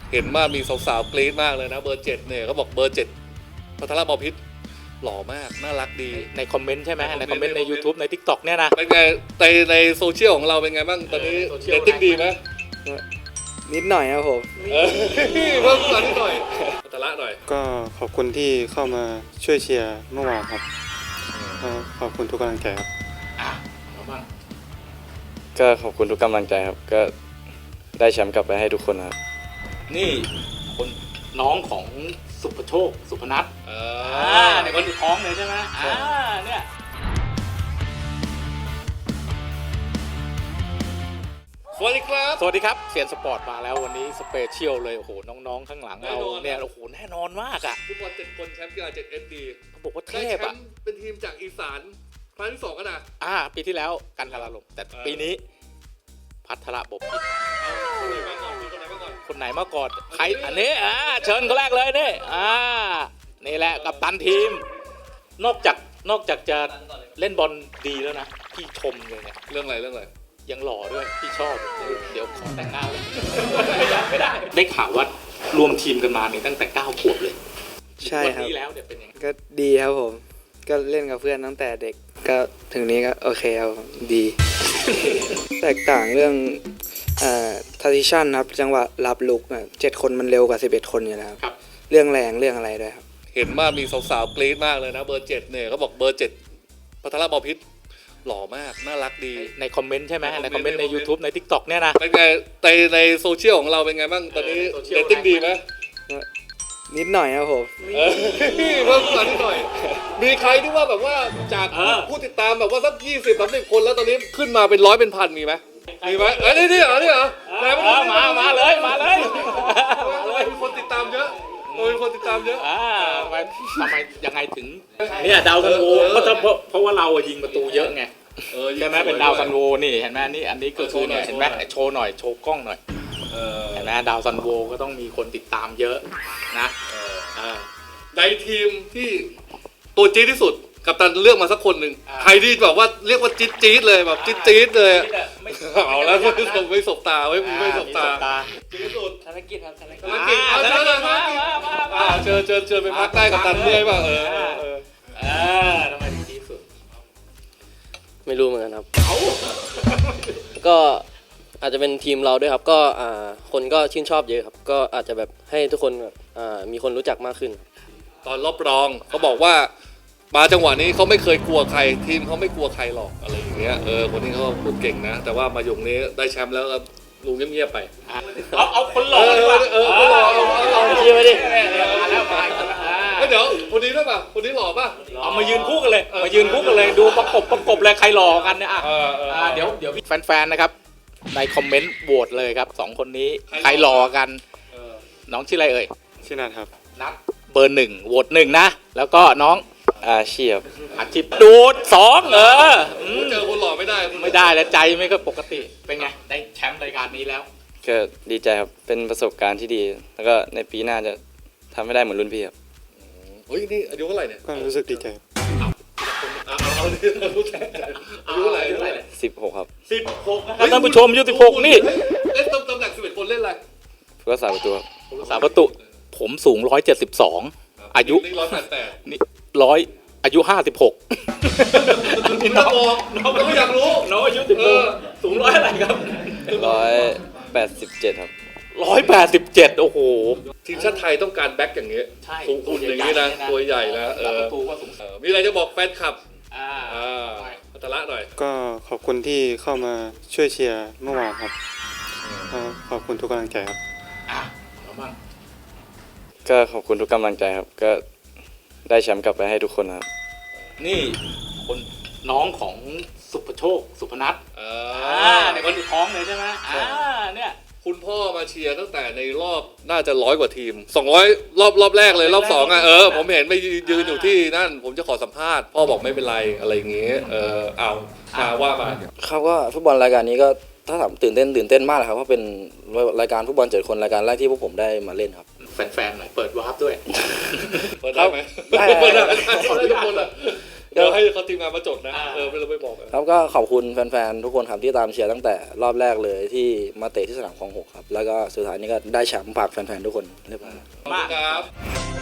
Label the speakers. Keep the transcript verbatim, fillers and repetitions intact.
Speaker 1: เห็นว่ามีสาวๆกรี๊ดมากเลยนะเบอร์เจ็ดเนี่ยเขาบอกเบอร์เจ็ดพัทรบพิตรหล่อมากน่ารักดี
Speaker 2: ในคอมเมนต์ใช่ไหมในคอมเมนต์ใน YouTube ใน ทิกต็อก เนี่ยนะ
Speaker 1: เป็นไงในในโซเชียลของเราเป็นไงบ้างตอนนี้เรตติ้งดีไหม
Speaker 3: นิดหน่อยครับผม
Speaker 1: เออเพิ่มขึ้นนิดหน่อยพัทรหน่อย
Speaker 4: ก็ขอบคุณที่เข้ามาช่วยเชียร์เมื่อวานครับขอบคุณทุกกำลังใจครับ
Speaker 5: ก็ขอบคุณทุกกำลังใจครับก็ได้แชมป์กลับไปให้ทุกคนครับ
Speaker 2: นี่คนน้องของสุภโชคสุพนัท
Speaker 1: อ่า
Speaker 2: ในคนท้องเลยใช่ไหมอ่าเนี่ย
Speaker 1: สวัสดีครับ
Speaker 2: สวัสดีครับเซียนสปอร์ตมาแล้ววันนี้สเปเชียลเลยโอ้โหน้องๆข้างหลังเราเนี่ยโอ้โหแน่นอนมากอ่ะ
Speaker 1: ฟุตบอลเจ็ดคนแชมป์กีฬาเจ็ดเอสดี
Speaker 2: เขาบอกว่าเทพอ่ะ
Speaker 1: เป็นทีมจากอีสานครั้งที่สองกันนะ
Speaker 2: อ่าปีที่แล้วกันกาลาลมแต่ปีนี้พัทรบพิตรคนไหนมาก่อนใครอันนี้อ่าเชิญคนแรกเลยนี่อ่านี่แหละกัปตันทีมนอกจากนอกจากจะเล่นบอลดีแล้วนะพี่ชมเลยเนี่ย
Speaker 1: เรื่องอะไรเรื่องอะไร
Speaker 2: ยังหล่อด้วยพี่ชอบเดี๋ยวขอแต่งหน้าเลยไม่ได้ได้ข่าวว่ารวมทีมกันมาเนี่ยตั้งแต่เก้าขวบเลย
Speaker 3: ใช่ครับ
Speaker 2: วันนี้แล้วเดี๋ยวเป็นยังไง
Speaker 3: ก็ดีครับผมก็เล่นกับเพื่อนตั้งแต่เด็กก็ถึงนี้ก็โอเคครับดี แตกต่างเรื่องเอ่อทาร์ติชันครับจังหวะรับลุกเจ็ดคนมันเร็วกว่าสิบเอ็ดคนอยู่แล้ว
Speaker 2: ครับ
Speaker 3: เรื่องแรงเรื่องอะไรด้วยครับ
Speaker 1: เห็นว่ามีสาวๆกรี๊ดมากเลยนะเบอร์เจ็ดเนี่ยเขาบอกเบอร์เจ็ดพัทรบพิตรหล่อมากน่ารักดี
Speaker 2: ในคอมเมนต์ใช่ไหมในคอมเมนต์ใน YouTube ใน ทิกต็อก เนี่ยนะ
Speaker 1: เป็นไงในในโซเชียลของเราเป็นไงบ้างตอนนี้เรตติ้งดีไหม
Speaker 3: นิดหน่อยครับผม
Speaker 1: เพิ่มขึ้นนิดหน่อยมีใครที่ว่าแบบว่าจากผู้ติดตามแบบว่าสักยี่สิบสามสิบคนแล้วตอนนี้ขึ้นมาเป็นร้อยเป็นพันมีไหมมีไหมเอ้ยนี่นี่เหรอนี่เหรอ
Speaker 2: มามาเลยมาเลย
Speaker 1: มีคนติดตามเยอะมีคนติดตามเยอะ
Speaker 2: อ่าทำไมทำไมยังไงถึงเนี่ยดาวซันโวเพราะเพราะว่าเรายิงประตูเยอะไงใช่ไหมเป็นดาวซันโวนี่เห็นไหมนี่อันนี้ก็คือเนี่ยเห็นไหมโชว์หน่อยโชว์กล้องหน่อยเห็นไหมดาวซันโวก็ต้องมีคนติดตามเยอะนะ
Speaker 1: ในทีมที่ตัวจี๊ดที่สุดกัปตันเลือกมาสักคนหนึ่งใครที่แบบว่าเรียกว่าจี๊ดจี๊ดเลยแบบจี๊ดจี๊ดเลยเอาแล้วไม่สบไม่สบตาไม่ไม่สบตาจี๊ดที่สุด
Speaker 3: ธนกิจครับธนกิจ
Speaker 1: ธนกิจเอาเชิญเลยเชิญเชิญเชิญไปพักใต้กัปตันเมื่อยป่ะเออเออ
Speaker 2: เออทำไมถึงจี๊ดสุด
Speaker 6: ไม่รู้เหมือนกันครับก็อาจจะเป็นทีมเราด้วยครับก็อ่าคนก็ชื่นชอบเยอะครับก็อาจจะแบบให้ทุกคนแบบอ่ามีคนรู้จักมากขึ้น
Speaker 1: ตอนรอบรองเขาบอกว่ามาจังหวะนี้เขาไม่เคยกลัวใครทีมเขาไม่กลัวใครหรอกอะไรอย่างเงี้ยเออคนนี้เขาพูดเก่งนะแต่ว่ามาหยงนี้ได้แชมป์แล้วครับลุงเงียบๆไป
Speaker 2: เอาเอาคนหล่อดีกว่า
Speaker 1: เออคนหล่อเอาเอา
Speaker 6: เชียร์ไปดิ
Speaker 1: เดี๋ยวคนนี้ด้วยป่ะคนนี้หล่อป่ะ
Speaker 2: เอามายืนคู่กันเลยมายืนคู่กันเลยดูประกบประกบเลยใครหล่อกันเนี่ยอ่ะเดี๋ยวเดี๋ยวแฟนๆนะครับในคอมเมนต์โหวตเลยครับสองคนนี้ใครหล่อกันน้องชื่ออะไรเอ่ย
Speaker 4: ชื่อนัทครับ
Speaker 2: นัทเบอร์หนึ่งโหวตหนึ่งนะแล้วก็น้อง
Speaker 5: อาชีพ
Speaker 2: อาชีพดูดสองเออ
Speaker 1: เจอคนหล่อไม่ได้
Speaker 2: ไม่ได้แล้วใจไม่ก็ปกติเป็นไงได้แชมป์รายการนี้แล้ว
Speaker 5: ก็ดีใจครับเป็นประสบการณ์ที่ดีแล้วก็ในปีหน้าจะทำให้ได้เหมือนรุ่นพี่ครับ
Speaker 1: เฮ้ยนี่อายุเท่าไหร่เนี่ย
Speaker 4: ก็รู้สึกดีใจ
Speaker 1: เอาเอาดิรู้ใจอายุเท่าไหร่
Speaker 5: สิบหกครับ
Speaker 2: สิบหกนะครับท่านผู้ชมอายุสิบหกนี่
Speaker 1: เล่นตำแหน่งสิบเอ็ดคนเล่นอะไร
Speaker 5: ก็สามประตู
Speaker 2: สามประตูผมสูงร้อยเจ็ดสิบสองอายุ
Speaker 1: ร้อยแปดแปด
Speaker 2: นี่ร้อยอายุห้าสิบหก
Speaker 1: นี่น้องน้องไม่อยากรู้
Speaker 2: น้องอายุสิบหกสูงร้อยอะไรครับ
Speaker 5: ร้อยแปดสิบเจ็ดครับ
Speaker 2: ร้อยแปดสิบเจ็ดโอ้โห
Speaker 1: ทีมชาติไทยต้องการแบ็คอย่างนี้สูงอุ่นอย่างนี้นะตัวใหญ่นะเออมีอะไรจะบอกแฟนคลับอ่าพัทรหน่อย
Speaker 4: ก็ขอบคุณที่เข้ามาช่วยเชียร์เมื่อวานครับขอบคุณทุกกำลังใจครับ
Speaker 5: ก็ขอบคุณทุกกำลังใจครับก็ได้แชมป์กลับไปให้ทุกคนครับ
Speaker 2: นี่คนน้องของสุภโชคสุพนัท
Speaker 1: อ่
Speaker 2: าในคนท้องเลยใช่ไหมอ่าเนี่ย
Speaker 1: คุณพ่อมาเชียร์ตั้งแต่ในรอบน่าจะร้อยกว่าทีมสองร้อยรอบรอบแรกเลยรอบสองอ่ะเออผมเห็นไปยืนอยู่ที่นั่นผมจะขอสัมภาษณ์พ่อบอกไม่เป็นไรอะไรอย่างเงี้ยเออเอามาว่ามา
Speaker 6: ครับก็ฟุตบอลรายการนี้ก็ถ้าถามตื่นเต้นตื่นเต้นมากเลยครับเพราะเป็นรายการฟุตบอลเจ็ดคนรายการแรกที่พวกผมได้มาเล่นครับ
Speaker 2: แฟนๆหน่อยเปิดวาร์ปด้วย
Speaker 1: เปิดได้ไหมเปิดได้เปิดได้ทุกคนอ่ะเดี๋ยวให้เขาทีมงานมาจดนะเออไม่เราไม่บอกกัน
Speaker 7: ครับก็ขอบคุณแฟนๆทุกคนครับที่ตามเชียร์ตั้งแต่รอบแรกเลยที่มาเตะที่สนามคลองหกครับแล้วก็สุดท้ายนี้ก็ได้แชมป์ฝากแฟนๆทุกคนเรียบร้อย
Speaker 1: ขอบคุณครับ